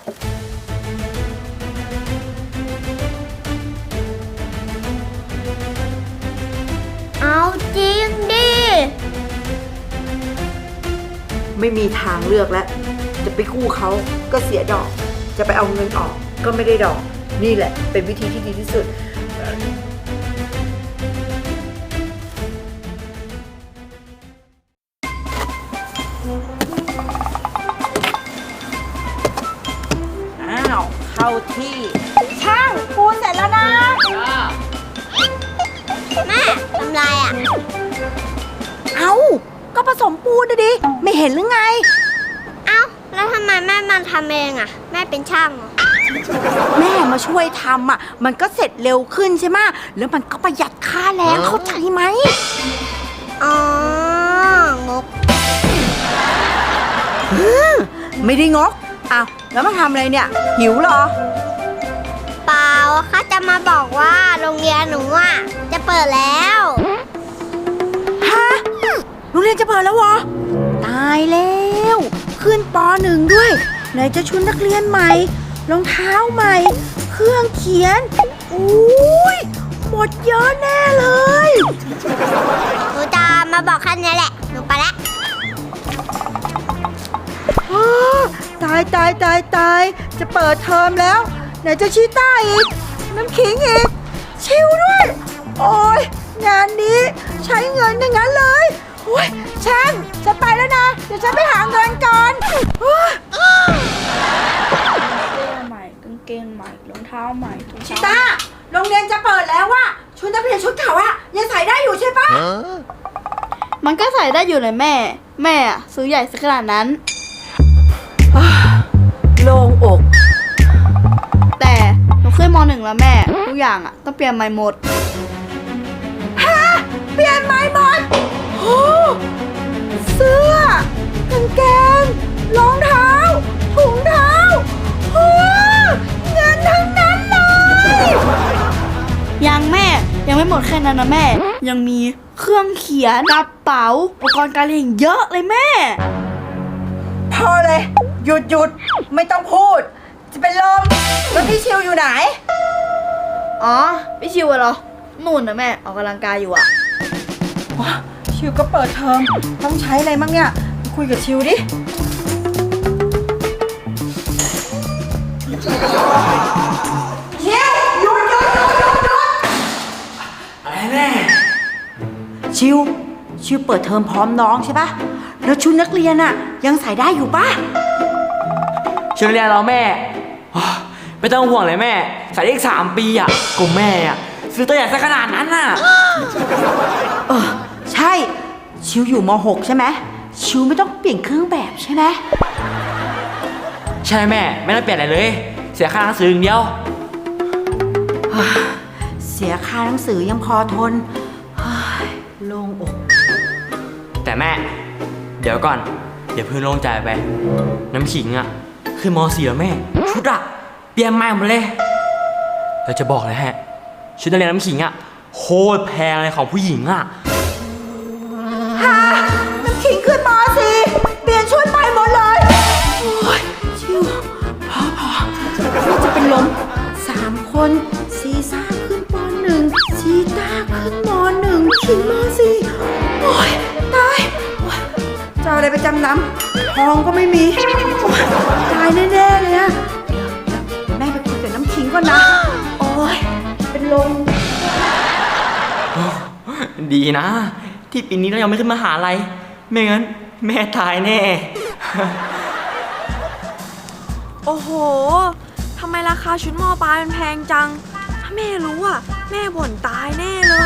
เอาจริงดิไม่มีทางเลือกแล้วจะไปกู้เขาก็เสียดอก จะไปเอาเงินออกก็ไม่ได้ดอก นี่แหละเป็นวิธีที่ดีที่สุด อ้าว เข้าที่ช่างปูนเสร็จแล้วนะแม่ทำไรอ่ะเอาก็ผสมปูนนะดิ ไม่เห็นหรือไงเอ้าแล้วทำไมแม่มาทำเองอ่ะแม่เป็นช่างเหรอแม่มาช่วยทำอ่ะ มันก็เสร็จเร็วขึ้นใช่ไหมแล้วมันก็ประหยัดค่าแรงเข้าใจไหมอ๋องกไม่ได้งกอ้าวแล้วมาทำอะไรเนี่ย หิวเหรอเปล่าเขาจะมาบอกว่าโรงเรียนหนูอ่ะจะเปิดแล้วฮะ โรงเรียนจะเปิดแล้วเหรอ ตายแล้ว ขึ้นป .1 ด้วย ไหนจะชุดนักเรียนใหม่ รองเท้าใหม่ เครื่องเขียนอุ้ยหมดเยอะแน่เลยหนูจะมาบอกแค่นี้แหละหนูไปแล้วอ้าตายตายตายตายจะเปิดเทอมแล้ว ไหนจะชีต้าอีก น้ำขิงอีก ชิวด้วย โอ้ยงานนี้ใช้เงินอย่างนั้นเลยโอ้ยช่างจะไปแล้วนะ เดี๋ยวฉันไปหาเงินก่อนโอ้ยเสื้อใหม่กางเกงใหม่รองเท้าใหม่ถุงชิเท้าต้าโรงเรียนจะเปิดแล้วว่ะชุดนักเรียนชุดเก่าอะยังใส่ได้อยู่ใช่ปะมันก็ใส่ได้อยู่เลยแม่ แม่อะซื้อใหญ่สักขนาดนั้นโล่งอกแต่หนูขึ้นม .1 แล้วแม่ ทุกอย่างอะต้องเปลี่ยนใหม่หมดฮะเปลี่ยนใหม่หมดโอ้เสื้อกางเกงรองเท้าถุงเท้าโอ้เงินทั้งนั้นเลยยังแม่ยังไม่หมดแค่นั้นนะแม่ ยังมีเครื่องเขียนกระเป๋าอุปกรณ์การเรียนเยอะเลยแม่พอเลย หยุดไม่ต้องพูด จะเป็นลมแล้วพี่ชิวอยู่ไหนอ๋อพี่ชิวอะเหรอนู่นนะแม่ออกกำลังกายอยู่อะชิวก็เปิดเทอมต้องใช้อะไรมั่งเนี่ยคุยกับชิวดิชิวหยุดอะไรแม่ชิวเปิดเทอมพร้อมน้องใช่ปะแล้วชุดนักเรียนอะยังใส่ได้อยู่ปะชุดนักเรียนเราแม่โอ้ยไม่ต้องห่วงเลยแม่ใส่ได้อีก3 ปีอ่ะก็แม่อ่ะซื้อตัวใหญ่ซะขนาดนั้นน่ะใช่ชิวอยู่ม .6 ใช่ไหมชิวไม่ต้องเปลี่ยนเครื่องแบบใช่ไหมใช่แม่ไม่ต้องเปลี่ยนอะไรเลย เสียค่าหนังสืออย่างเดียวเสียค่าหนังสือยังพอทนเฮ้ยโล่งอกแต่แม่ เดี๋ยวก่อนเดี๋ยวเพิ่งโล่งใจไป น้ำขิงอ่ะคือม .4 แล้วแม่ ชุดอ่ะเปลี่ยนใหม่หมดเลยเราจะบอกเลยฮะชุดนักเรียนน้ำขิงอ่ะโคตรแพงเลยของผู้หญิงอ่ะฮะน้ำขิงขึ้นม .4 เปลี่ยนชุดใหม่หมดเลยโอ้ยชิวพอนี่จะเป็นลม3 คนซีซ่าขึ้นป .1 ซีต้าขึ้นม .1 ขิงม .4 โอ้ยตายโอ๊ยจะเอาอะไรไปจำนำทองก็ไม่มีโอ๊ยตายแน่ๆเลยอะเดี๋ยวแม่ไปคุยกับน้ำขิงก่อนนะ โอ้ยเป็นลมดีนะ ที่ปีนี้เรายังไม่ขึ้นมหาลัยไม่งั้นแม่ตายแน่โอ้โห ทำไมราคาชุดมอปลายมันแพงจัง ถ้าแม่รู้อ่ะ แม่บ่นตายแน่เลย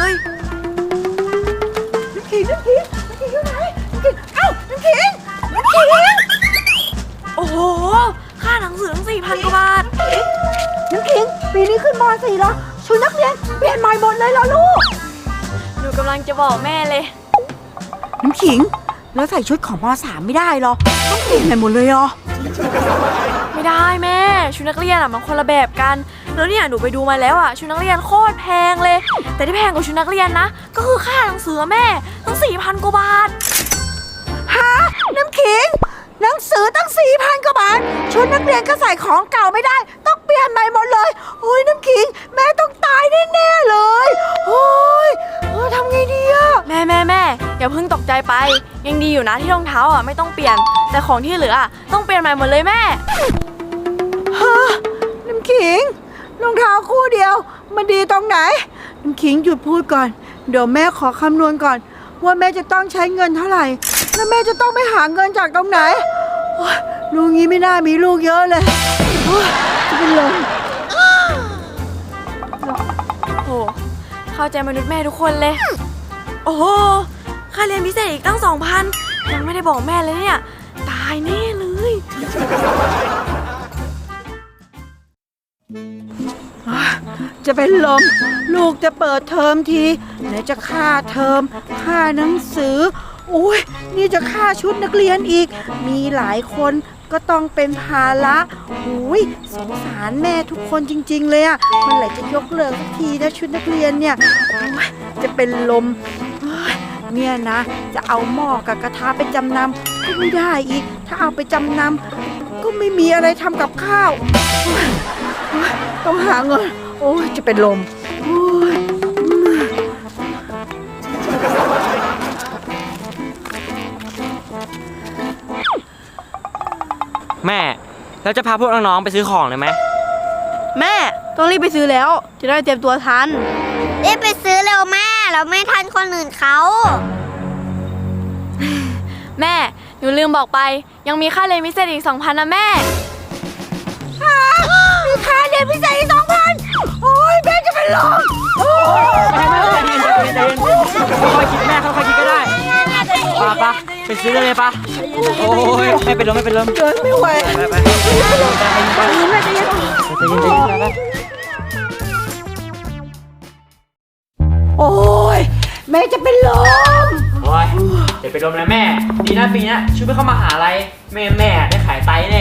น้ำขิงอยู่ไหนน้ำขิงเอ้าน้ำขิงโอ้โห ค่าหนังสือตั้ง4,000 กว่าบาทน้ำขิงปีนี้ขึ้นม .4 แล้วชุดนักเรียนเปลี่ยนใหม่หมดเลยเหรอลูกหนูกำลังจะบอกแม่เลยน้ำขิงแล้วใส่ชุดของม .3 ไม่ได้เหรอต้องเปลี่ยนใหม่หมดเลยเหรอไม่ได้แม่ ชุดนักเรียนอ่ะมันคนละแบบกัน แล้วเนี่ยหนูไปดูมาแล้วอ่ะชุดนักเรียนโคตรแพงเลย แต่ที่แพงกว่าชุดนักเรียนนะ ก็คือค่าหนังสือแม่ตั้ง4,000 กว่าบาทฮะน้ำขิงไหนนังสือตั้ง 4,000 กว่าบาทชุดนักเรียนก็ใส่ของเก่าไม่ได้ต้องเปลี่ยนใหม่หมดเลยโอ้ยน้ำขิงแม่ต้องตายแน่ๆเลยโอ้ยทำไงดีอะแม่อย่าเพิ่งตกใจไป ยังดีอยู่นะที่รองเท้าอ่ะไม่ต้องเปลี่ยน แต่ของที่เหลืออะต้องเปลี่ยนใหม่หมดเลยแม่ฮะน้ำขิงรองเท้าคู่เดียวมันดีตรงไหนน้ำขิงหยุดพูดก่อนเดี๋ยวแม่ขอคำนวณก่อน ว่าแม่จะต้องใช้เงินเท่าไหร่แล้วแม่จะต้องไปหาเงินจากตรงไหนโอ๊ยลูกนี้ไม่น่ามีลูกเยอะเลยโอ๊ยจะเป็นลมโอ้เข้าใจมนุษย์แม่ทุกคนเลย โอ้โหค่าเรียนพิเศษอีกตั้ง 2,000 ยังไม่ได้บอกแม่เลยเนี่ย ตายแน่เลยจะเป็นลมลูกจะเปิดเทอมทีไหนจะค่าเทอมค่าหนังสืออุ้ยนี่จะค่าชุดนักเรียนอีกมีหลายคนก็ต้องเป็นภาระอุ้ยสงสารแม่ทุกคนจริงๆเลยอะมันไหลจะยกเลิกสักทีนะชุดนักเรียนเนี่ยโอ้ยจะเป็นลมเฮ้ยเนี่ยนะจะเอาหม้อกับกระทะไปจำนำก็ไม่ได้อีกถ้าเอาไปจำนำก็ไม่มีอะไรทำกับข้าวโอ๊ยโอ๊ยต้องหาเงินโอ้ยจะเป็นลมโอ้ยแม่แล้วจะพาพวกน้องๆไปซื้อของเลยไหมแม่ต้องรีบไปซื้อแล้วจะได้เตรียมตัวทันรีบไปซื้อเร็วแม่เราไม่ทันคนอื่นเขาแม่หนูลืมบอกไป ยังมีค่าเรียนพิเศษอีก 2,000 นะแม่มีค่าเรียนพิเศษอีก 2,000 โอ้ยแม่จะเป็นลมโอ้ยค่อยคิดแม่ค่อยคิดก็ได้ปะไปซื้อเลยปะโอ้ยไม่เป็นลมเดินไม่ไหวไปโอ้ยแม่จะเป็นลมโอ้ยเดี๋ยวเป็นลมนะแม่ดีนะปีนี้ชุดไม่เข้ามหาลัยแม่ได้ขายไตแน่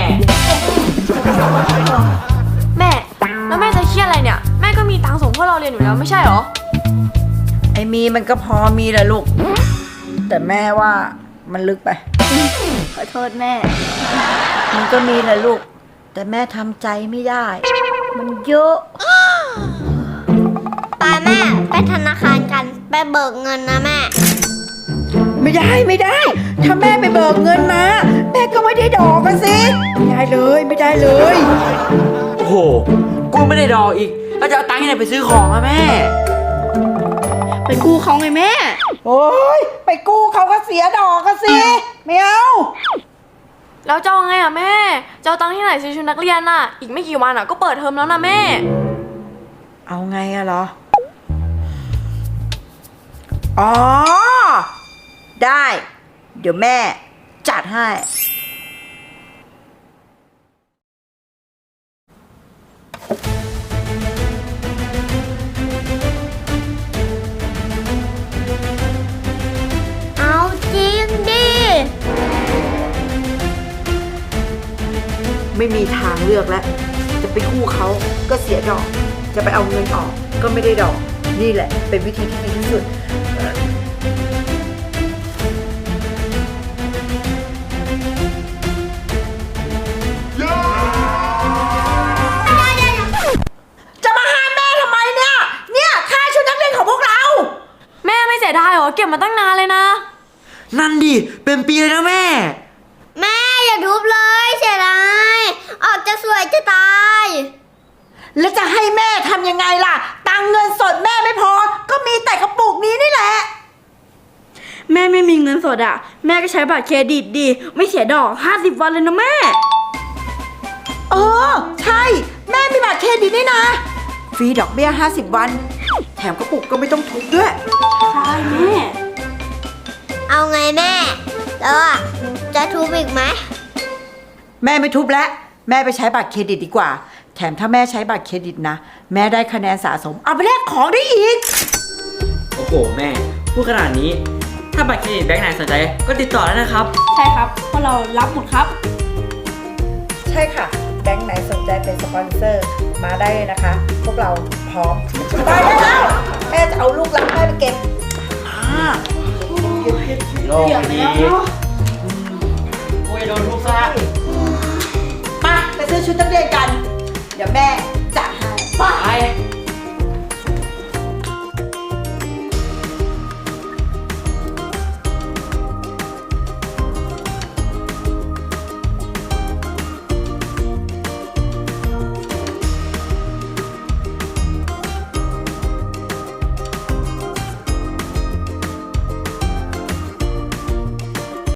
แม่แล้วแม่จะเครียดอะไรเนี่ย แม่ก็มีตังค์ส่งพวกเราเรียนอยู่แล้วไม่ใช่หรอไอ้มีมันก็พอมีแหละลูก แต่แม่ว่ามันลึกไปขอโทษแม่มันก็มีแหละลูก แต่แม่ทำใจไม่ได้ มันเยอะไปแม่ไปธนาคารกันไปเบิกเงินนะแม่ไม่ได้ ถ้าแม่ไปเบิกเงินมาแม่ก็ไม่ได้ดอกกันสิไม่ได้เลยโอ้โหกูไม่ได้ดอกอีกแล้วจะเอาตังค์ที่ไหนไปซื้อของอะแม่ไปกู้เขาไงแม่โอ้ยไปกู้เขาก็เสียดอกกันสิไม่เอาแล้วจะเอาไงอ่ะแม่จะเอาตังค์ที่ไหนซื้อชุดนักเรียนน่ะ อีกไม่กี่วันอ่ะก็เปิดเทอมแล้วนะแม่เอาไงอะเหรอ อ๋อ ได้ เดี๋ยวแม่จัดให้เอาจริงดิไม่มีทางเลือกแล้ว จะไปกู้เขาก็เสียดอก จะไปเอาเงินออกก็ไม่ได้ดอก นี่แหละ เป็นวิธีที่ดีที่สุด จะมาห้ามแม่ทำไมเนี่ย เนี่ยค่าชุดนักเรียนของพวกเราแม่ไม่เสียดายเหรอเก็บมาตั้งนานเลยนะนั่นดิเป็นปีเลยนะแม่แม่อย่าทุบเลยเสียดายออกจะสวยจะตายแล้วจะให้แม่ทำยังไงล่ะ ตังค์เงินสดแม่ไม่พอ ก็มีแต่กระปุกนี้นี่แหละแม่ไม่มีเงินสดอ่ะ แม่ก็ใช้บัตรเครดิตดีไม่เสียดอก50 วันเลยนะแม่เออ ใช่ แม่มีบัตรเครดิตนี่นะ ฟรีดอกเบี้ย50 วัน แถมกระปุกก็ไม่ต้องทุบด้วยใช่แม่เอาไงแม่แล้วอะจะทุบอีกไหมแม่ไม่ทุบแล้ว แม่ไปใช้บัตรเครดิตดีกว่า แถมถ้าแม่ใช้บัตรเครดิตนะ แม่ได้คะแนนสะสม เอาไปแลกของได้อีกโอ้โหแม่พูดขนาดนี้ ถ้าบัตรเครดิตแบงค์ไหนสนใจก็ติดต่อแล้วนะครับใช่ครับเพราะเรารับหมดครับใช่ค่ะ แบงค์ไหนสนใจเป็นสปอนเซอร์มาได้เลยนะคะ พวกเราพร้อมไปได้แล้วแม่จะเอาลูกรักแม่ไปเก็บโลกดีโอ้ยโดนทุบซะมาไปซื้อชุดนักเรียนกัน เดี๋ยวแม่จัดให้ไป